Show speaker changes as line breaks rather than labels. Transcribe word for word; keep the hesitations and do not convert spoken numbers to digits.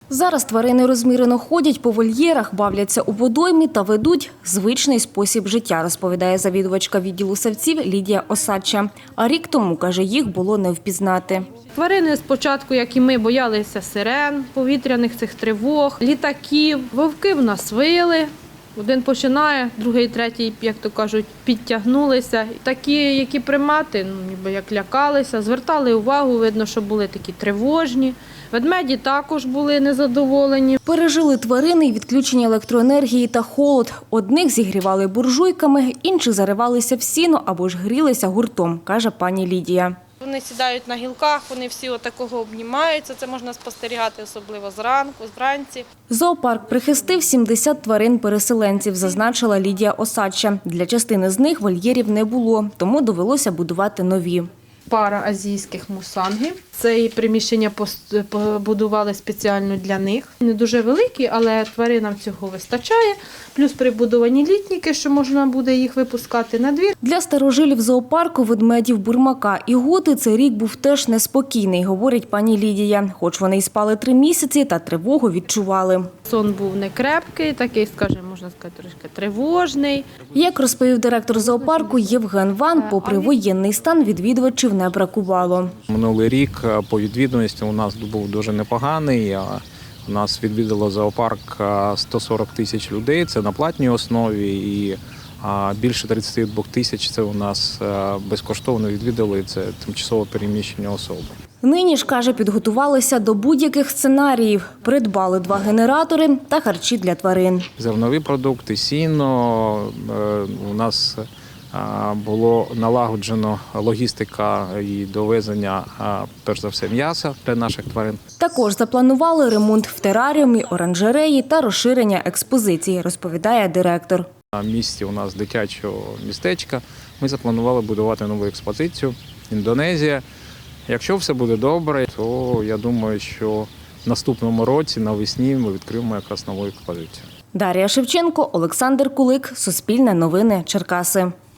Зараз тварини розмірено ходять по вольєрах, бавляться у водоймі та ведуть звичний спосіб життя, розповідає завідувачка відділу савців Лідія Осадча. А рік тому, каже, їх було не впізнати.
Тварини спочатку, як і ми, боялися сирен, повітряних цих тривог, літаків. Вовки в нас вили. Один починає, другий, третій, як то кажуть, підтягнулися. Такі, які примати, ну, ніби як лякалися, звертали увагу, видно, що були такі тривожні. Ведмеді також були незадоволені.
Пережили тварини й відключення електроенергії та холод. Одних зігрівали буржуйками, інші заривалися в сіно або ж грілися гуртом, каже пані Лідія.
Вони сідають на гілках, вони всі отакого обнімаються. Це можна спостерігати особливо зранку, вранці.
Зоопарк прихистив сімдесят тварин-переселенців, зазначила Лідія Осадча. Для частини з них вольєрів не було, тому довелося будувати нові.
Пара азійських мусангів. Це і приміщення побудували спеціально для них. Не дуже великі, але тваринам цього вистачає. Плюс прибудовані літніки, що можна буде їх випускати на двір.
Для старожилів зоопарку, ведмедів, бурмака і готи цей рік був теж неспокійний, говорить пані Лідія. Хоч вони й спали три місяці, та тривогу відчували.
Сон був не крепкий, такий, скажімо, можна сказати, трошки тривожний.
Як розповів директор зоопарку Євген Ван, попри воєнний стан відвідувачів не бракувало.
Минулий рік по відвідуваності у нас був дуже непоганий. У нас відвідало зоопарк сто сорок тисяч людей, це на платній основі, і більше тридцять два тисяч це у нас безкоштовно відвідали, це тимчасово переміщені особи.
Нині ж, каже, підготувалися до будь-яких сценаріїв. Придбали два генератори та харчі для тварин.
Зернові продукти, сіно, у нас було налагоджено логістика і довезення, перш за все, м'яса для наших тварин.
Також запланували ремонт в тераріумі, оранжереї та розширення експозиції, розповідає директор.
На місці у нас дитячого містечка ми запланували будувати нову експозицію «Індонезія». Якщо все буде добре, то я думаю, що в наступному році, навесні, ми відкриємо якраз нову експозицію.
Дар'я Шевченко, Олександр Кулик, Суспільне новини, Черкаси.